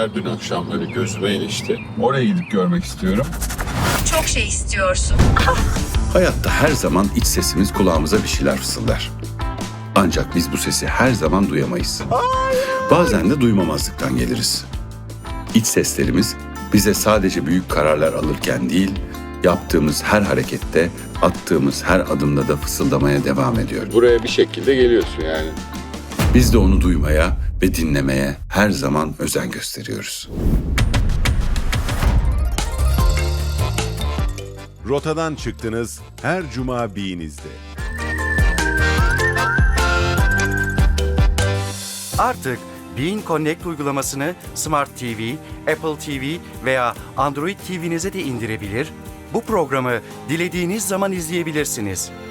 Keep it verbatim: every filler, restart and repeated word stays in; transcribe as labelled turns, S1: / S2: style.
S1: şeyler dün akşam böyle gözüme ilişti. Oraya gidip görmek istiyorum.
S2: Çok şey istiyorsun.
S3: Hayatta her zaman iç sesimiz kulağımıza bir şeyler fısıldar. Ancak biz bu sesi her zaman duyamayız. Bazen de duymamazlıktan geliriz. İç seslerimiz bize sadece büyük kararlar alırken değil, yaptığımız her harekette, attığımız her adımda da fısıldamaya devam ediyor.
S1: Buraya bir şekilde geliyorsun yani.
S3: Biz de onu duymaya ve dinlemeye her zaman özen gösteriyoruz.
S4: Rotadan çıktınız her cuma B'nizde.
S5: Artık Bein Connect uygulamasını Smart T V, Apple T V veya Android T V'nize de indirebilir, bu programı dilediğiniz zaman izleyebilirsiniz.